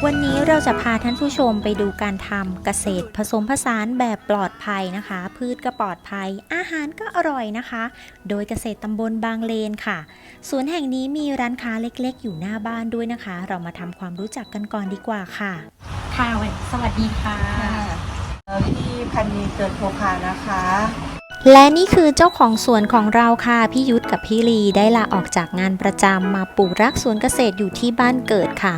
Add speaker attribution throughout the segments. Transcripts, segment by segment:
Speaker 1: วันนี้เราจะพาท่านผู้ชมไปดูการทำเกษตรผสมผสานแบบปลอดภัยนะคะพืชก็ปลอดภัยอาหารก็อร่อยนะคะโดยเกษตรตำบลบางเลนค่ะสวนแห่งนี้มีร้านค้าเล็กๆอยู่หน้าบ้านด้วยนะคะเรามาทำความรู้จักกันก่อนดีกว่าค่ะค่ะสวัสดีค่ะ
Speaker 2: พี่พันนีเกิดโพคานะคะ
Speaker 1: และนี่คือเจ้าของสวนของเราค่ะพี่ยุทธกับพี่ลีได้ลาออกจากงานประจำมาปลูกรักสวนเกษตรอยู่ที่บ้านเกิดค่ะ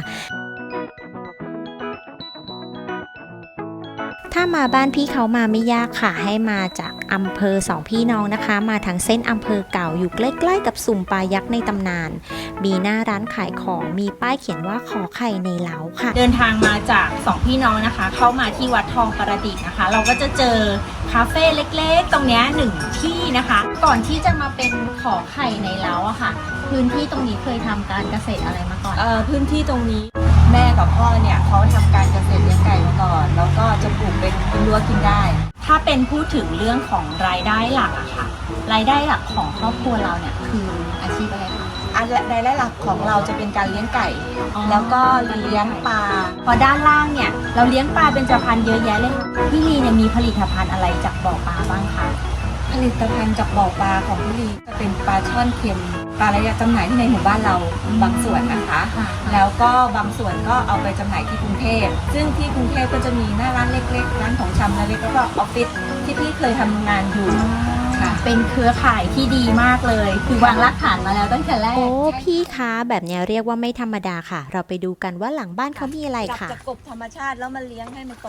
Speaker 1: ถ้ามาบ้านพี่เขามาไม่ยากค่ะให้มาจากอำเภอสองพี่น้องนะคะมาทางเส้นอำเภอเก่าอยู่ใกล้ๆกับสุ่มปลายักษ์ในตำนานมีหน้าร้านขายของมีป้ายเขียนว่าขอไข่ในเล้าค่ะเดินทางมาจากสองพี่น้องนะคะเข้ามาที่วัดทองประดิษฐ์นะคะเราก็จะเจอคาเฟ่เล็กๆตรงนี้หนึ่งที่นะคะก่อนที่จะมาเป็นขอไข่ในเล้าอะค่ะพื้นที่ตรงนี้เคยทำการเกษตรอะไรมาก่อน
Speaker 2: พื้นที่ตรงนี้แม่กับพ่อเนี่ยเขาทำการเกษตรเลี้ยงไก่มาก่อนแล้วก็จะปลูกเป็นรั้วกินได้
Speaker 1: ถ้าเป็นพูดถึงเรื่องของรายได้หลักอะค่ะรายได้หลักของครอบครัวเราเนี่ยคืออาชีพอะไรคะ
Speaker 2: รายได้หลักของเราจะเป็นการเลี้ยงไก่แล้วก็เลี้ยงปลา
Speaker 1: พอด้านล่างเนี่ยเราเลี้ยงปลาเป็นเบญจพรรณเยอะแยะเลยพี่ลีเนี่ยมีผลิตภัณฑ์อะไรจากบ่อปลาบ้างคะ
Speaker 2: ผลิตภัณฑ์จากบ่อปลาของพี่ลีจะเป็นปลาช่อนเค็มปลาระยะจำหน่ายที่ในหมู่บ้านเราบางส่วนนะคะแล้วก็บางส่วนก็เอาไปจำหน่ายที่กรุงเทพซึ่งที่กรุงเทพก็จะมีหน้าร้านเล็กๆร้านของชำเล็กๆแล้วก็ออฟฟิศที่พี่เคยทำงานอยู่ค่ะ
Speaker 1: เป็นเครือข่ายที่ดีมากเลยคือวางรากฐานมาแล้วตั้งแต่แรกโอ้พี่คะแบบนี้เรียกว่าไม่ธรรมดาค่ะเราไปดูกันว่าหลังบ้านเขามีอะไรค่ะ
Speaker 2: จากกบธรรมชาติแล้วมาเลี้ยงให้มันโต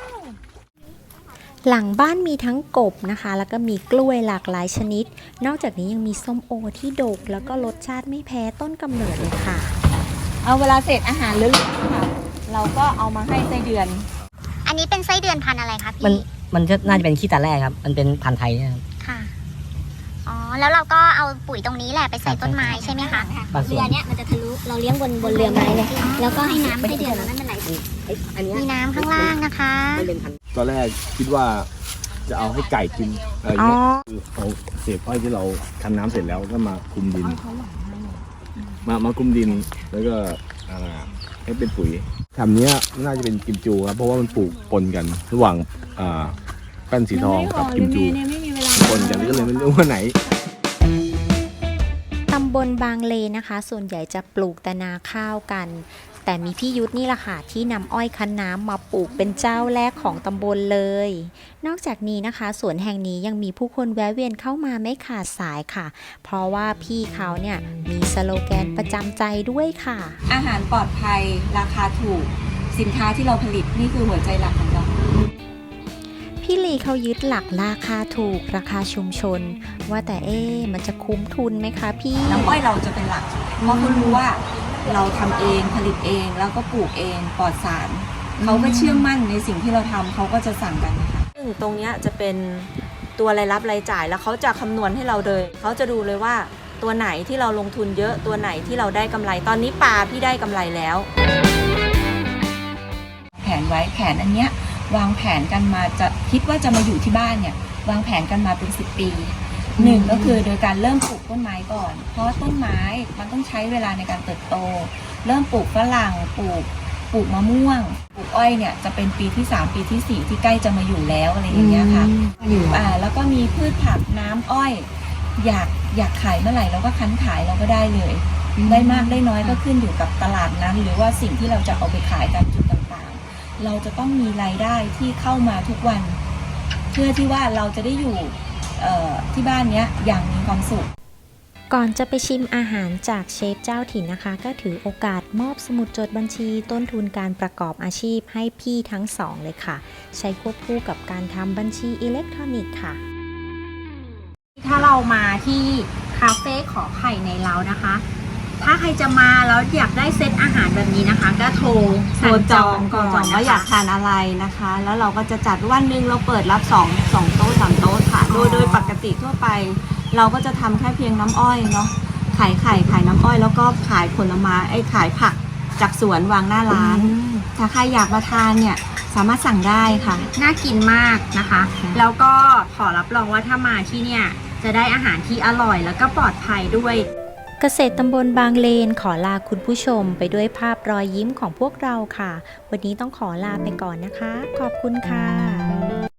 Speaker 1: หลังบ้านมีทั้งกบนะคะแล้วก็มีกล้วยหลากหลายชนิดนอกจากนี้ยังมีส้มโอที่ดกแล้วก็รสชาติไม่แพ้ต้นกำเนิดเลยค่ะ
Speaker 2: เอาเวลาเศษอาหารเหลือๆค่ะเราก็เอามาให้ไส้เดือน
Speaker 1: อันนี้เป็นไส้เดือนพันธุ์อะไรคะพี่
Speaker 3: มันน่าจะเป็นขี้ตาแร่ครับมันเป็นพันธุ์ไทยนะครับ
Speaker 1: ค่ะอ๋อแล้วเราก็เอาปุ๋ยตรงนี้แหละไปใส่ต้นไม้ใช่ไหมคะ
Speaker 3: เรือ
Speaker 1: เนี้ยมันจะทะลุเราเลี้ยงบนเรือไม้เลยแล้วก็ให้น้ำไส้เดือนนั้นมันไหลมีน้ำข้างล่างนะคะ
Speaker 4: ตอนแรกคิดว่าจะเอาให้ไก่กินอะไรเงี้ยคือเอาเศษอ้อยที่เราทำน้ำเสร็จแล้วก็มาคลุมดินมาคลุมดินแล้วก็ให้เป็นปุ๋ยคำนี้น่าจะเป็นกิมจูครับเพราะว่ามันปลูกปนกันระหว่างแป้นสีทองกับกิมจูปนกันก็เลยไม่รู้ว่าไหน
Speaker 1: ตำบลบางเลนนะคะส่วนใหญ่จะปลูกแต่นาข้าวกันแต่มีพี่ยุทธนี่แหละค่ะที่นำอ้อยคั้นน้ำมาปลูกเป็นเจ้าแรกของตำบลเลยนอกจากนี้นะคะสวนแห่งนี้ยังมีผู้คนแวะเวียนเข้ามาไม่ขาดสายค่ะเพราะว่าพี่เขาเนี่ยมีสโลแกนประจำใจด้วยค่ะ
Speaker 2: อาหารปลอดภัยราคาถูกสินค้าที่เราผลิตนี่คือหัวใจหลักของเรา
Speaker 1: พี่ลีเขายึดหลักราคาถูกราคาชุมชนว่าแต่มันจะคุ้มทุนไหมคะพี่
Speaker 2: น้ำอ้อยเราจะเป็นหลักเพราะเขารู้ว่าเราทำเองผลิตเองแล้วก็ปลูกเองปลอดสารเขาก็เชื่อมั่นในสิ่งที่เราทำเขาก็จะสั่งกันนะคะซึ่งตรงนี้จะเป็นตัวรายรับรายจ่ายแล้วเขาจะคำนวณให้เราเลยเขาจะดูเลยว่าตัวไหนที่เราลงทุนเยอะตัวไหนที่เราได้กำไรตอนนี้ปลาพี่ได้กำไรแล้วแผนไว้แผนอันเนี้ยวางแผนกันมาจะคิดว่าจะมาอยู่ที่บ้านเนี่ยวางแผนกันมาเป็น10 ปีหนึ่งก็คือโดยการเริ่มปลูกต้นไม้ก่อนเพราะต้นไม้มันต้องใช้เวลาในการเติบโตเริ่มปลูกฝรั่งปลูกมะม่วงปลูกอ้อยเนี่ยจะเป็นปีที่3ปีที่4ที่ใกล้จะมาอยู่แล้วอะไรอย่างเงี้ยค่ะแล้วก็มีพืชผักน้ำอ้อยอยากขายเมื่อไหร่เราก็คั้นขายเราก็ได้เลยได้มากได้น้อยก็ขึ้นอยู่กับตลาดนั้นหรือว่าสิ่งที่เราจะเอาไปขายตามจุดต่างๆเราจะต้องมีรายได้ที่เข้ามาทุกวันเพื่อที่ว่าเราจะได้อยู่ที่บ้านเนี้ยอย่างมีความสุข
Speaker 1: ก่อนจะไปชิมอาหารจากเชฟเจ้าถิ่นนะคะก็ถือโอกาสมอบสมุดจดบัญชีต้นทุนการประกอบอาชีพให้พี่ทั้งสองเลยค่ะใช้ควบคู่กับการทำบัญชีอิเล็กทรอนิกส์ค่ะถ้าเรามาที่คาเฟ่ขอไข่ในเล้านะคะถ้าใครจะมาแล้วอยากได้เซตอาหารแบบนี้นะคะก็โทร
Speaker 2: จองก่อนว่าอยากทานอะไรนะคะแล้วเราก็จะจัดวันหนึ่งเราเปิดรับ2โต๊ะ3โต๊ะค่ะโดยปกติทั่วไปเราก็จะทำแค่เพียงน้ำอ้อยเนาะขายไข่ขายน้ำอ้อยแล้วก็ขายผลไม้ขายผักจากสวนวางหน้าร้านถ้าใครอยากมาทานเนี่ยสามารถสั่งได้ค่ะ
Speaker 1: น่ากินมากนะคะแล้วก็ขอรับรองว่าถ้ามาที่เนี่ยจะได้อาหารที่อร่อยแล้วก็ปลอดภัยด้วยเกษตรตำบลบางเลนขอลาคุณผู้ชมไปด้วยภาพรอยยิ้มของพวกเราค่ะ วันนี้ต้องขอลาไปก่อนนะคะ ขอบคุณค่ะ